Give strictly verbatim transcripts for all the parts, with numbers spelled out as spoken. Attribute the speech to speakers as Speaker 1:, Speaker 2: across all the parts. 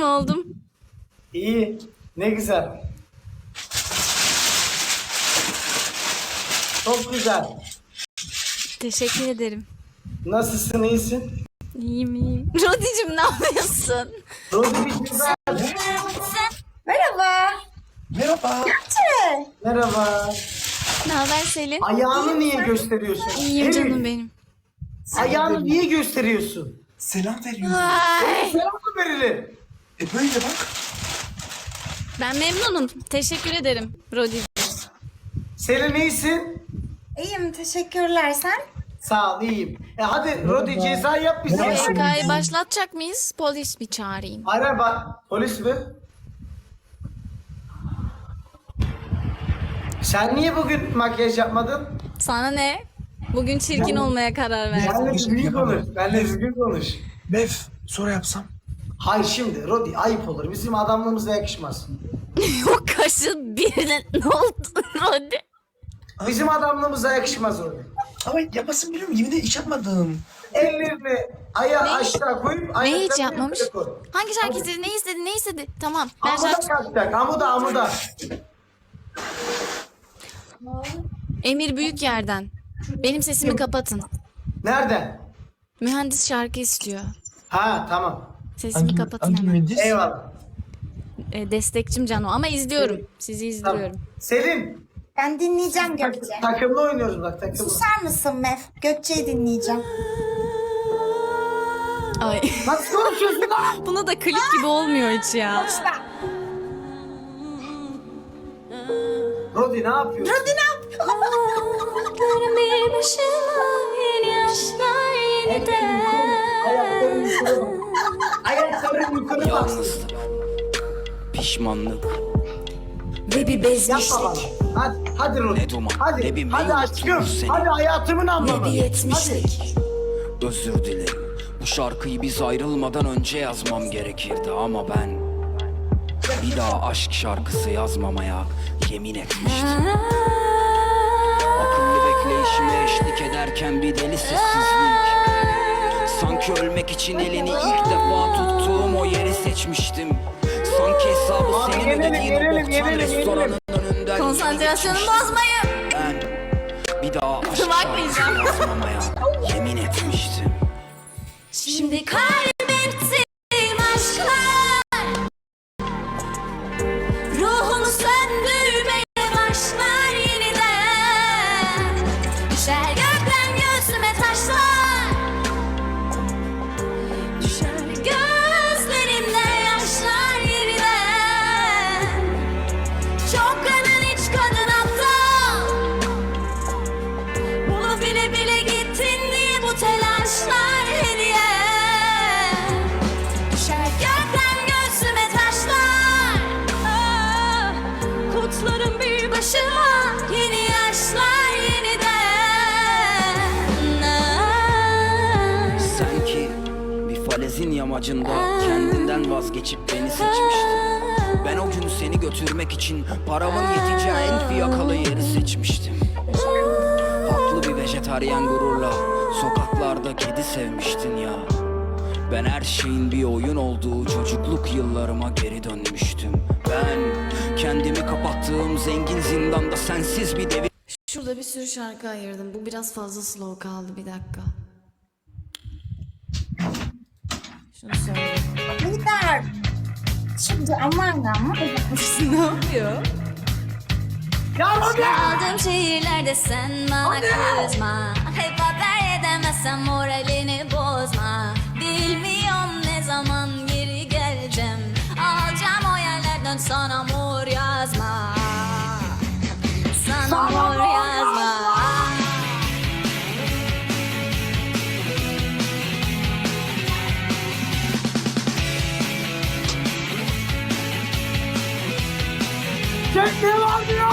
Speaker 1: İyiyim oldum.
Speaker 2: İyi. Ne güzel. Çok güzel.
Speaker 1: Teşekkür ederim.
Speaker 2: Nasılsın, iyisin?
Speaker 1: İyiyim iyiyim. Rodicim ne yapıyorsun?
Speaker 2: Rodi bir ceza.
Speaker 3: Merhaba.
Speaker 4: Merhaba.
Speaker 3: Gökçe.
Speaker 2: Merhaba.
Speaker 1: Ne haber Selin?
Speaker 2: Ayağını niye gösteriyorsun?
Speaker 1: İyiyim
Speaker 2: Evet.
Speaker 1: canım benim.
Speaker 2: Ayağını niye gösteriyorsun?
Speaker 4: Selam veriyorum.
Speaker 1: Ay,
Speaker 2: Selam mı verilir?
Speaker 4: E böyle bak.
Speaker 1: ben memnunum. Teşekkür ederim Rodicim.
Speaker 2: Selin iyisin?
Speaker 3: İyiyim, teşekkürler. Sen?
Speaker 2: Sağ ol, iyiyim. E hadi Rodi ceza yap bize.
Speaker 1: Bu hikayeyi başlatacak mıyız? Polis mi çağırayım?
Speaker 2: Araba. Polis mi? Sen niye bugün makyaj yapmadın?
Speaker 1: Sana ne? Bugün çirkin olmaya karar verdim.
Speaker 2: Benle düzgün konuş. Benle düzgün konuş.
Speaker 4: Bev, sonra yapsam.
Speaker 2: Hayır şimdi Rodi ayıp olur. Bizim adamlığımıza yakışmaz.
Speaker 1: O kaşın birine ne oldu Rodi?
Speaker 2: Bizim adamlığımıza yakışmaz Rodi.
Speaker 4: Ama yapmasın biliyorum, yemin ederim hiç yapmadım.
Speaker 2: Ellerini ayağı
Speaker 1: Ne?
Speaker 2: aşağı koyup
Speaker 1: Ne
Speaker 2: ayaklarını
Speaker 1: hiç yapmamış?
Speaker 2: yukarı koy.
Speaker 1: Hangi şarkı istedi? Ne istedi? Ne istedi? Tamam. Ben
Speaker 2: Amuda
Speaker 1: şarkı...
Speaker 2: kalkacak. Amuda amuda.
Speaker 1: Emir Büyükyer'den. Benim sesimi kapatın.
Speaker 2: Nereden?
Speaker 1: Mühendis şarkı istiyor.
Speaker 2: Ha tamam.
Speaker 1: Sesimi kapatın hemen.
Speaker 4: mühendis?
Speaker 2: Eyvallah.
Speaker 1: E, destekçim Cano ama izliyorum. Sizi
Speaker 2: Tamam.
Speaker 1: izliyorum.
Speaker 2: Selin.
Speaker 3: Ben dinleyeceğim Gökçe.
Speaker 2: Takımlı oynuyoruz bak takımlı.
Speaker 3: Susar mısın Mev? Gökçe'yi dinleyeceğim.
Speaker 1: Ay.
Speaker 2: Nasıl konuşuyorsun lan?
Speaker 1: Buna da klip gibi olmuyor hiç ya.
Speaker 3: Lütfen.
Speaker 2: Rodi ne yapıyorsun?
Speaker 3: Hadi ne yapıyorsun?
Speaker 1: Bir başıma yeni aşklar yeniden.
Speaker 2: Ayakların yukarı bak. Ayakların yukarı bak.
Speaker 5: Yalnızlık, pişmanlık,
Speaker 1: Ve bir
Speaker 2: Yapma bana. Hadi, hadi Rodi.
Speaker 5: Ne duman,
Speaker 2: Hadi,
Speaker 5: ne bir
Speaker 2: hadi
Speaker 5: meyil
Speaker 2: aşkım.
Speaker 5: tutmuş seni.
Speaker 2: Hadi hayatımın anlamı.
Speaker 1: yetmişlik.
Speaker 5: özür dilerim. Bu şarkıyı biz ayrılmadan önce yazmam gerekirdi ama ben bir daha aşk şarkısı yazmamaya yemin etmiştim. Akıllı bekleyişime eşlik ederken bir deli sessizlik. Sanki ölmek için elini ilk defa tuttuğum o yeri seçmiştim. Sanki hesabı
Speaker 2: Abi
Speaker 5: senin
Speaker 2: yenelim,
Speaker 5: ödediğin o
Speaker 2: yenelim,
Speaker 5: boktan
Speaker 2: yenelim,
Speaker 5: restoranın önünden
Speaker 1: Konsantrasyonumu
Speaker 5: geçmiştim.
Speaker 1: bozmayın.
Speaker 5: Ben bir daha aşk
Speaker 1: Bakmayacağım.
Speaker 5: şarkısı yazmamaya yemin etmiştim.
Speaker 1: Şimdi kaybettiğim aşklar ruhumu söndürmeye başlar yeniden. Düşer gökten göğsüme taşlar, düşer gözlerimden yaşlar yeniden. Çok kadın hiç kadın aptal, bunu bile bile gittin diye bu telaşlar hediye. Düşer gökten göğsüme taşlar, ah, kutlarım bir başıma yeni yaşlar yeniden. Ah.
Speaker 5: Sen ki bir falezin yamacında kendinden vazgeçip beni seçmiştin. Ben o gün seni götürmek için paramın yeteceği en fiyakalı yeri seçmiştim. Haklı bir vejetaryen gururla sokaklarda kedi sevmiştin ya. Ben her şeyin bir oyun olduğu çocukluk yıllarıma geri dönmüştüm. Ben kendimi kapattığım zengin zindanda sensiz bir devir
Speaker 1: Şurada bir sürü şarkı ayırdım. Bu biraz fazla slow kaldı. Bir dakika. Şunu söyleyeyim.
Speaker 3: Lider. Şimdi aman aman.
Speaker 1: Ne yapıyor?
Speaker 2: Ya Rodi!
Speaker 1: Aldığım şehirlerde sen bana kızma. Hep haber edemezsem moralini bozma. Bilmiyorum ne zaman geri geleceğim. Alacağım o yerlerden sana mor yazma. Sana mor yazma.
Speaker 2: Çek ne var diyor?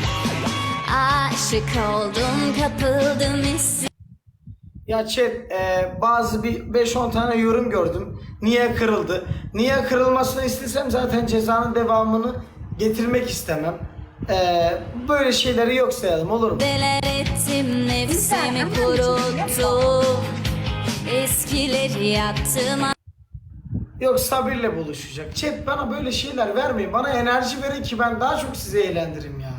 Speaker 1: Aşık oldum, kapıldım hissi.
Speaker 2: Ya chat, e, bazı bir beş on tane yorum gördüm. Niye kırıldı? Niye kırılmasını istesem zaten cezanın devamını getirmek istemem. E, böyle şeyleri yok sayalım, olur mu?
Speaker 1: Deler ettim, nefsimi kuruttum. Eskileri yaktım.
Speaker 2: Yok Sabir'le buluşacak. Chat bana böyle şeyler vermeyin. Bana enerji verin ki ben daha çok sizi eğlendireyim ya.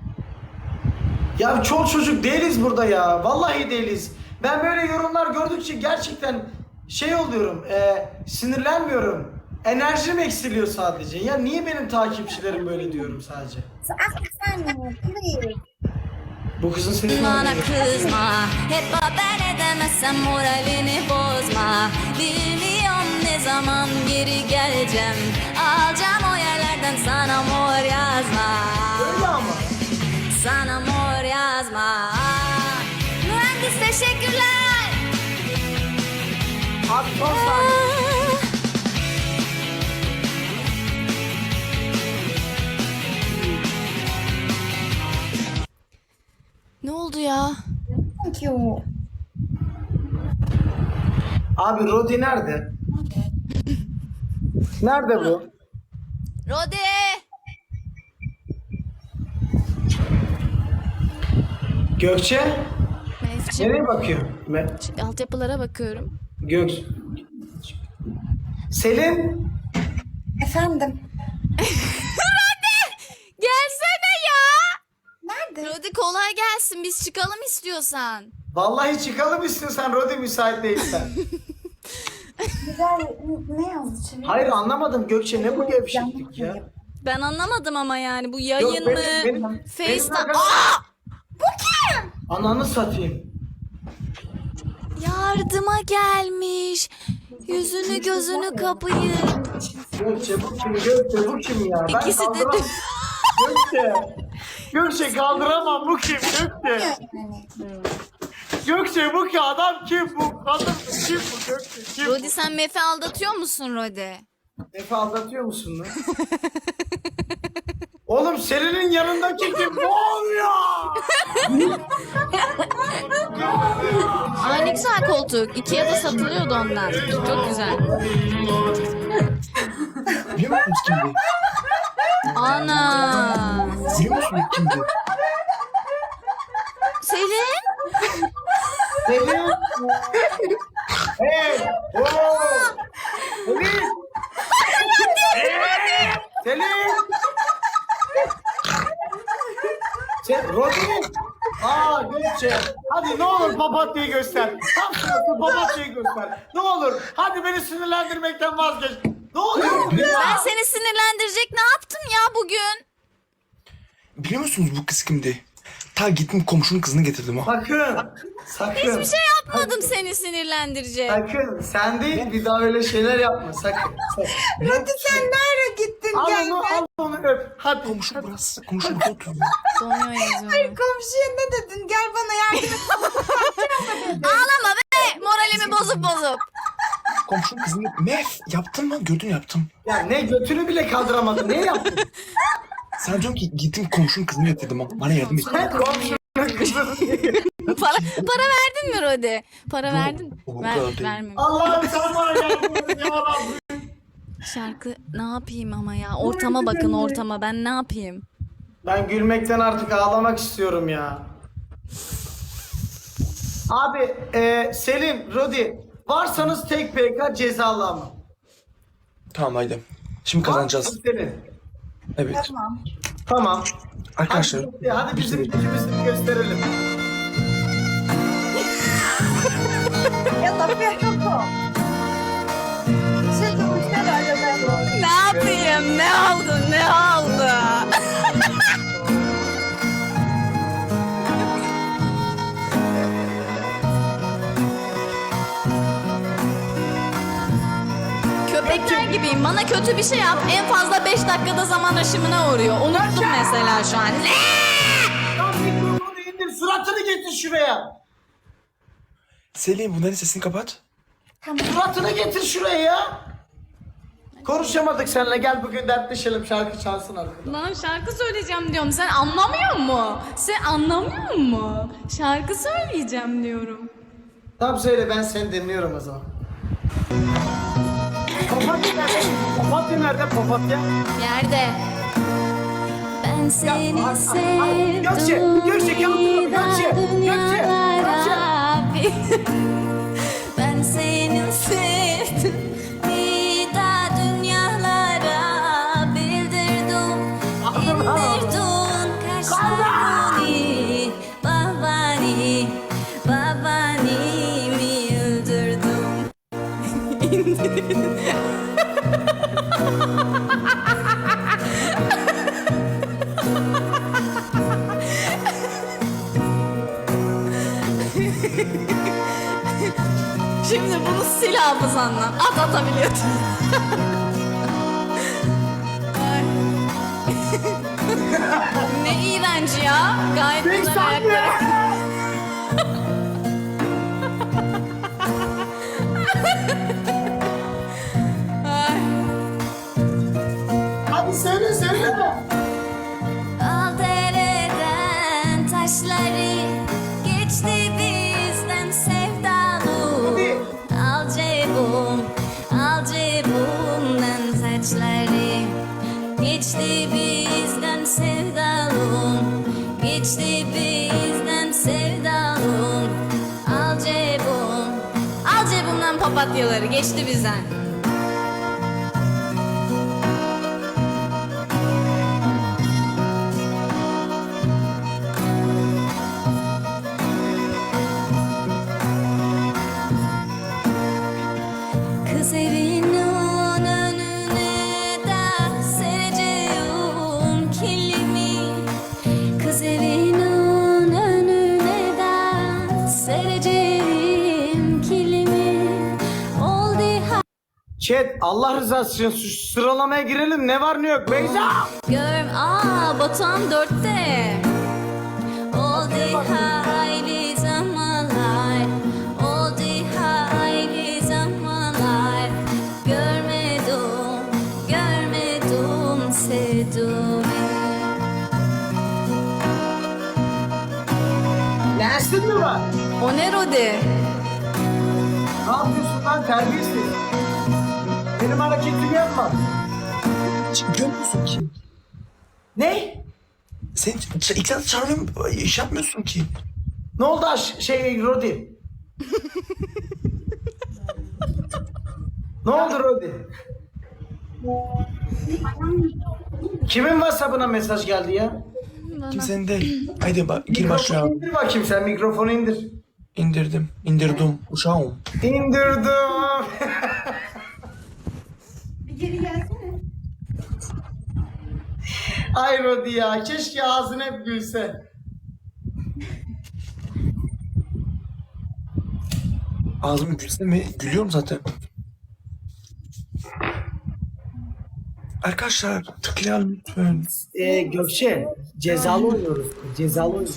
Speaker 2: Ya çol çocuk değiliz burada ya. Vallahi değiliz. Ben böyle yorumlar gördükçe gerçekten şey oluyorum. E, sinirlenmiyorum. Enerjim eksiliyor sadece. Ya niye benim takipçilerim böyle diyorum sadece.
Speaker 3: Ah sen please.
Speaker 2: Bu kızın sesi
Speaker 1: Bana kızma, hep haber edemezsem moralini bozma. Bilmiyorum ne zaman geri geleceğim. Alacağım o yerlerden sana mor yazma.
Speaker 2: öyle ama.
Speaker 1: Sana mor yazma. Mühendis teşekkürler.
Speaker 2: Abi son saniye.
Speaker 1: Ne oldu ya?
Speaker 3: Thank you.
Speaker 2: Abi Rodi nerede? Nerede bu?
Speaker 1: Rodi.
Speaker 2: Gökçe?
Speaker 1: Mevcim.
Speaker 2: Nereye bakıyor? Me-
Speaker 1: Altyapılara bakıyorum.
Speaker 2: Gök. Selin?
Speaker 3: Efendim.
Speaker 1: Gelsene ya.
Speaker 3: Nerede?
Speaker 1: Rodi kolay gelsin. Biz çıkalım istiyorsan.
Speaker 2: Vallahi çıkalım istiyorsan Rodi müsait değilsen.
Speaker 3: Güzel ne yazdı şimdi?
Speaker 2: Hayır anlamadım Gökçe ne bu gevşeklik ya?
Speaker 1: Ben anlamadım ama yani bu
Speaker 2: Yok,
Speaker 1: yayın
Speaker 2: benim-
Speaker 1: mı?
Speaker 2: benim- benim
Speaker 1: FaceTime.
Speaker 2: arkadaşım-
Speaker 1: Aa!
Speaker 2: Ananı satayım.
Speaker 1: Yardıma gelmiş. Yüzünü gözünü kapayın.
Speaker 2: Gökçe bu kim? Gökçe bu kim ya? Ben
Speaker 1: İkisi de
Speaker 2: kaldıramam. Gökçe. Gökçe kaldıramam bu kim? Gökçe.
Speaker 3: Yani.
Speaker 2: Gökçe bu ki adam kim bu? Kadın kim bu Gökçe? Kim
Speaker 1: Rodi sen Mef'i aldatıyor musun Rodi?
Speaker 2: Efe aldatıyor musun lan? Oğlum Selin'in yanındaki kim? Ne oluyor?
Speaker 1: Aa ne güzel koltuk. Ikea'da satılıyordu ondan. Çok güzel.
Speaker 4: Biliyor musunuz kimdi?
Speaker 1: Ana.
Speaker 4: Biliyor musunuz kimdi?
Speaker 1: Selin.
Speaker 2: Selin. Hey. Oo. Selin. Hey. Selin. Sen Rodi. Aa Gökçe. Hadi ne olur papatyayı göster. Tam sırası papatyayı göster. Ne olur. Hadi beni sinirlendirmekten vazgeç. Ne oluyor?
Speaker 1: Ben seni sinirlendirecek ne yaptım ya bugün?
Speaker 4: Biliyor musunuz bu kız kimdi? Ta gittim komşunun kızını getirdim ha.
Speaker 2: Sakın. Sakın.
Speaker 1: Hiçbir şey yapmadım seni sinirlendirecek.
Speaker 2: Sakın. Sen değil bir daha öyle şeyler yapma. Sakın. sakın.
Speaker 3: Rodi sen nereye gittin?
Speaker 2: Al
Speaker 3: Gel
Speaker 2: onu,
Speaker 3: ben.
Speaker 2: al onu öp. Hadi.
Speaker 4: Komşu burası. Komşu burada oturuyor.
Speaker 1: Donuyor yazıyorum.
Speaker 3: Komşuya ne dedin? Gel bana yardım et.
Speaker 1: Ağlama be. Moralimi bozup bozup.
Speaker 4: Komşunun kızını getirdim. Mef yaptın mı? Gördün yaptım.
Speaker 2: Ya ne götünü bile kaldıramadın. Ne yaptın?
Speaker 4: Sen diyorsun ki gittim komşunun kızını getirdim ha. Bana yardım et.
Speaker 2: Sen komşunun kızını.
Speaker 1: Para, para verdin mi Rodi? Para verdin.
Speaker 4: o
Speaker 1: Ver,
Speaker 4: kadar değil.
Speaker 1: vermemiş.
Speaker 2: Allah'ım sen bana yardım et ya Rabbim.
Speaker 1: Şarkı ne yapayım ama ya. Ortama bakın ortama. Ben ne yapayım?
Speaker 2: Ben gülmekten artık ağlamak istiyorum ya. Abi e, Selin, Rodi varsanız tek P K cezalı ama.
Speaker 4: Tamam haydi. Şimdi
Speaker 2: Var
Speaker 4: kazanacağız.
Speaker 2: mısın Selin?
Speaker 4: Evet.
Speaker 3: Tamam.
Speaker 2: Tamam.
Speaker 4: Arkadaşlar.
Speaker 2: Hadi, hadi bizim gücümüzü gösterelim.
Speaker 3: Ya da Ferro. Şey konuşlar arada.
Speaker 1: Ne yapayım? Ne oldu? Ne oldu? Köpekler gibiyim. Bana kötü bir şey yap. En fazla beş dakikada zaman aşımına uğruyor. Unuttum mesela şu an.
Speaker 2: Lan mikrofonu indir, suratını getir şuraya.
Speaker 4: Selin bunların sesini kapat.
Speaker 2: Suratını getir şuraya ya. Konuşamadık seninle, gel bugün dertleşelim, şarkı çalsın arkada.
Speaker 1: Lan şarkı söyleyeceğim diyorum. Sen anlamıyor mu? Sen anlamıyor mu? Şarkı söyleyeceğim diyorum.
Speaker 2: Tamam söyle, ben seni dinliyorum o zaman. Papatya nerede? Papatya nerede? Papatya.
Speaker 1: Yerde. Ben seni
Speaker 2: ay, ay,
Speaker 1: sevdim.
Speaker 2: Gökçe, Gökçe, kaldır, Gökçe, Gökçe, Gökçe.
Speaker 1: Ben seni sevdim. Bir daha zamanla. At atabiliyordun. Ay. Ne iğrenç ya. Gayet güzel ayakları. Ay.
Speaker 2: Hadi söyle söyle.
Speaker 1: Al dereden taşları, geçti bizden sevdalım.
Speaker 2: Hadi.
Speaker 1: Al cebum, al cebumdan saçları, geçti bizden sevdalım, geçti bizden sevdalım. Al cebum, al cebumdan papatyaları, geçti bizden. Kız evinin önüne de sereceğim kilimi. Kız evinin önüne de sereceğim kilimi. Oldu ha.
Speaker 2: Chat Allah rızası için şu sıralamaya girelim. Ne var ne yok Beyza?
Speaker 1: Gör, aa Batuhan dörtte. Oldu hayli zamanlar, oldu hayli zamanlar. Görmedim, görmedim sevdiğimi.
Speaker 2: Lensin mi var?
Speaker 1: O ne Rodi?
Speaker 2: Ne yapıyorsun lan terbiyesiz? Benim hareketimi yapma.
Speaker 4: Hiç görmüyorsun ki.
Speaker 2: Ne?
Speaker 4: Sen ç- ilk defa çağırıyorum, iş yapmıyorsun ki.
Speaker 2: Ne oldu aş şey Rodi? Ne oldu Rodi? Kimin WhatsApp'ına mesaj geldi ya?
Speaker 4: Kimsenin değil. Haydi bak, gir
Speaker 2: Mikrofonu
Speaker 4: başlayalım.
Speaker 2: indir bakayım sen mikrofonu indir.
Speaker 4: İndirdim, indirdim. Uşağım.
Speaker 2: İndirdim.
Speaker 3: Bir geri gelsene.
Speaker 2: Ay Rodi ya keşke ağzın hep gülse.
Speaker 4: Ağzımı gülse mi? Gülüyorum zaten. Arkadaşlar tıklayalım lütfen.
Speaker 2: Ee, Gökçe cezalı oynuyoruz. Cezalı oynuyoruz.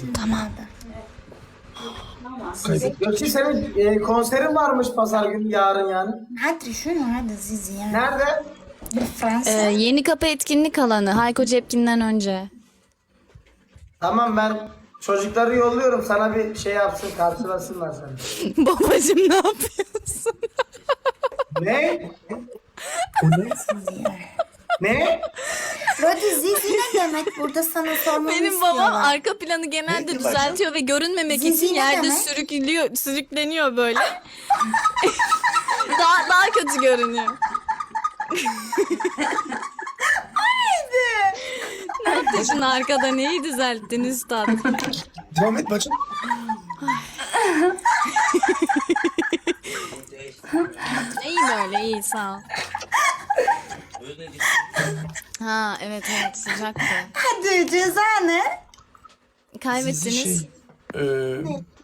Speaker 4: Kaybet.
Speaker 2: Gökçe senin e, konserin varmış pazar günü yarın yani.
Speaker 3: Hadi şunu hadi Zizi ya.
Speaker 2: Nerede?
Speaker 3: Bir Fransa.
Speaker 1: Ee, yeni kapı etkinlik alanı. Hayko Cepkin'den önce.
Speaker 2: Tamam ben çocukları yolluyorum sana bir şey yapsın karşılasınlar seni.
Speaker 1: Babacım ne yapıyorsun?
Speaker 2: Ne?
Speaker 4: O ne?
Speaker 2: Ne?
Speaker 3: Rodi Zizi ne demek? Burada sana sormamı
Speaker 1: Benim babam
Speaker 3: istiyorlar.
Speaker 1: arka planı genelde
Speaker 4: Neydi
Speaker 1: düzeltiyor ve görünmemek
Speaker 3: Zizi
Speaker 1: için
Speaker 3: ne
Speaker 1: yerde
Speaker 3: demek?
Speaker 1: sürükleniyor, sürükleniyor böyle. daha daha kötü görünüyor. Ne yaptın arkada neyi düzelttin üstad?
Speaker 4: Devam et bacım.
Speaker 1: İyi böyle iyi sağ ol. Ha evet evet sıcaktı.
Speaker 3: Hadi ceza ne?
Speaker 4: Sizi
Speaker 1: Kaybettiniz.
Speaker 4: şey... Eee...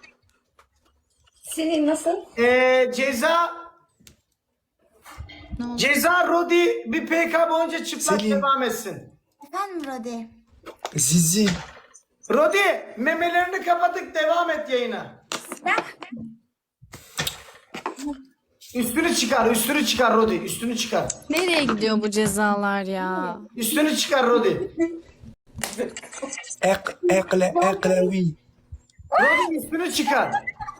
Speaker 3: Senin nasıl?
Speaker 2: Ee, ceza
Speaker 1: Ne oldu?
Speaker 2: ceza Rodi bir P K boyunca çıplak
Speaker 4: Selin.
Speaker 2: devam etsin.
Speaker 3: Efendim Rodi.
Speaker 4: Zizi.
Speaker 2: Rodi memelerini kapatıp devam et yayına. Üstünü çıkar, üstünü çıkar Rodi, üstünü çıkar.
Speaker 1: Nereye gidiyor bu cezalar ya?
Speaker 2: Üstünü çıkar Rodi.
Speaker 4: Ek, ekle, eklevi.
Speaker 2: Rodi üstünü çıkar.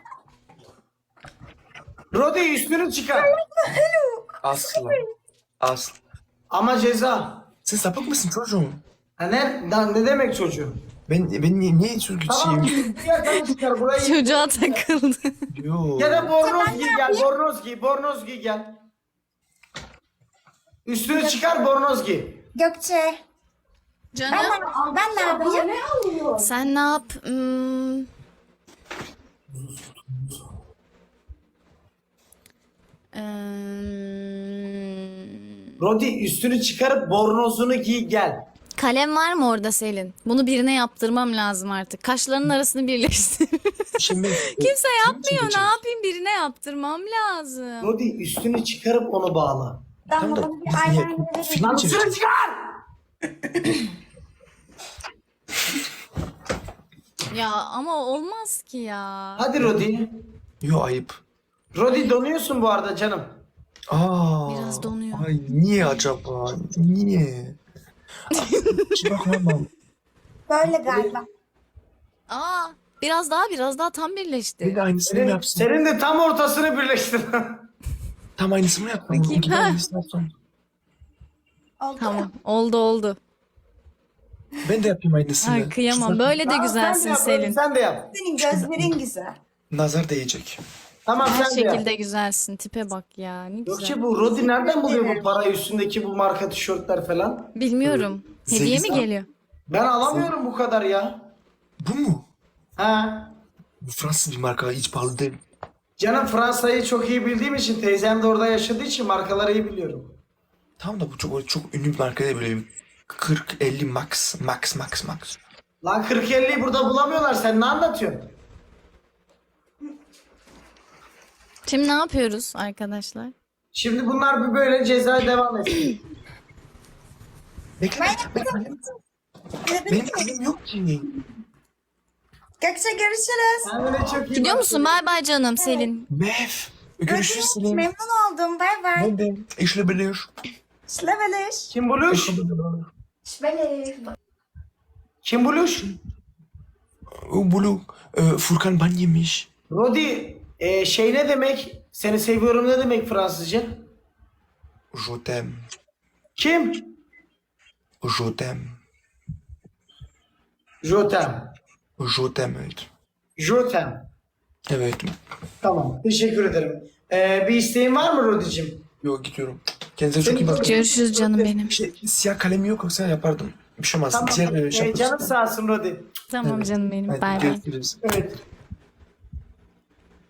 Speaker 2: Rodi üstünü çıkar.
Speaker 4: Asla. Asla.
Speaker 2: Ama ceza.
Speaker 4: Sen sapık mısın çocuğum?
Speaker 2: Ha ne, lan ne demek çocuğu?
Speaker 4: Ben, ben niye, niye söz
Speaker 2: Tamam,
Speaker 4: güçlüyüm?
Speaker 2: yerden çıkar burayı.
Speaker 1: Çocuğa takıldı.
Speaker 4: Yo.
Speaker 2: Ya da bornoz giy gel, bornoz giy, bornoz giy gel. Üstünü çıkar, bornoz giy.
Speaker 3: Gökçe.
Speaker 1: Canım
Speaker 3: Ben, ben ne yapayım?
Speaker 1: sen ne yap? Hmm. Eee,
Speaker 2: Rodi üstünü çıkarıp bornozunu giy gel.
Speaker 1: kalem var mı orada Selin? Bunu birine yaptırmam lazım artık. Kaşlarının arasını birleştir.
Speaker 4: Şimdi
Speaker 1: Kimse yapmıyor. Ne yapayım? Birine yaptırmam lazım.
Speaker 2: Rodi üstünü çıkarıp onu bağla.
Speaker 3: Damla
Speaker 4: da
Speaker 3: bana bir
Speaker 4: biz
Speaker 3: eyeliner
Speaker 4: niye
Speaker 3: verir
Speaker 4: film
Speaker 2: Lan
Speaker 4: çekiyoruz?
Speaker 2: üstünü çıkar!
Speaker 1: Ya ama olmaz ki ya.
Speaker 2: Hadi Rodi.
Speaker 4: Yo ayıp.
Speaker 2: Rodi donuyorsun bu arada canım.
Speaker 4: Aa.
Speaker 1: Biraz donuyor.
Speaker 4: Ay niye acaba? Niye? Hiç bakmam.
Speaker 3: Böyle galiba.
Speaker 1: Aa, biraz daha biraz daha tam
Speaker 4: Bir
Speaker 1: birleşti.
Speaker 4: de aynısını mı
Speaker 2: Senin,
Speaker 4: yapsın?
Speaker 2: senin de tam ortasını birleştir.
Speaker 4: Tam aynısını mı yapsın?
Speaker 1: Bakayım.
Speaker 4: İki
Speaker 1: Ha.
Speaker 4: aynısını yapsam.
Speaker 3: Oldu.
Speaker 1: Tamam, oldu oldu.
Speaker 4: Ben de yapayım aynısını.
Speaker 1: Ay kıyamam.
Speaker 4: Şu-
Speaker 1: Böyle de
Speaker 2: Tamam,
Speaker 1: güzelsin
Speaker 2: sen de yap,
Speaker 1: Selin.
Speaker 2: Rodi, Sen de yap.
Speaker 3: Senin gözlerin güzel.
Speaker 4: Nazar değecek.
Speaker 2: Tamam
Speaker 1: Her
Speaker 2: sen de yap.
Speaker 1: şekilde güzelsin. Tipe bak ya. Ne
Speaker 2: Yok
Speaker 1: güzel.
Speaker 2: ki bu Rodi nereden buluyor bu parayı üstündeki bu marka tişörtler falan?
Speaker 1: Bilmiyorum. Hediye mi
Speaker 4: Sekiz-
Speaker 1: geliyor?
Speaker 2: Ben alamıyorum bu kadar ya.
Speaker 4: Bu mu?
Speaker 2: Ha.
Speaker 4: Bu Fransız bir marka, hiç pahalı değil.
Speaker 2: Canım Fransa'yı çok iyi bildiğim için teyzem de orada yaşadığı için markaları iyi biliyorum.
Speaker 4: Tamam da bu çok çok ünlü bir marka değil, böyle kırk elli max max max max.
Speaker 2: Lan kırk elliyi burada bulamıyorlar, sen ne anlatıyorsun?
Speaker 1: Şimdi ne yapıyoruz arkadaşlar?
Speaker 2: Şimdi bunlar bir böyle cezaya devam etsin.
Speaker 4: Bekle, bekle. Benim kızım yok ki.
Speaker 3: Gökçe görüşürüz.
Speaker 2: Kendine çok iyi
Speaker 1: Gidiyor
Speaker 2: bak.
Speaker 1: musun? Bay bay canım Selin.
Speaker 4: Mev. Görüşürüz
Speaker 3: Görüşürüz.
Speaker 4: Selim.
Speaker 3: Memnun oldum. Bay bay.
Speaker 4: Ben de. İşle bilir.
Speaker 3: Şleveliş.
Speaker 2: Kim buluş?
Speaker 3: Şleveliş.
Speaker 4: Kim buluş? Bulu. E, Furkan ban yemiş.
Speaker 2: Rodi, e, şey ne demek? Seni seviyorum ne demek Fransızca?
Speaker 4: Je t'aime.
Speaker 2: Kim?
Speaker 4: Je t'aime.
Speaker 2: Je t'aime.
Speaker 4: Je t'aime. Evet.
Speaker 2: Je t'aime.
Speaker 4: Evet.
Speaker 2: Tamam, teşekkür ederim. E, bir isteğin var mı Rodi'cim?
Speaker 4: Yok, gidiyorum. Kendinize çok iyi bakın.
Speaker 1: Görüşürüz canım benim.
Speaker 4: Şey, siyah kalem yok, yoksa yapardım. Bir şey olmaz.
Speaker 2: Tamam,
Speaker 4: Diğer, e,
Speaker 2: e,
Speaker 4: şey
Speaker 2: canım sağ olsun Rodi.
Speaker 1: Tamam canım benim.
Speaker 4: Hadi
Speaker 1: Bay bay.
Speaker 4: görüşürüz.
Speaker 2: Evet.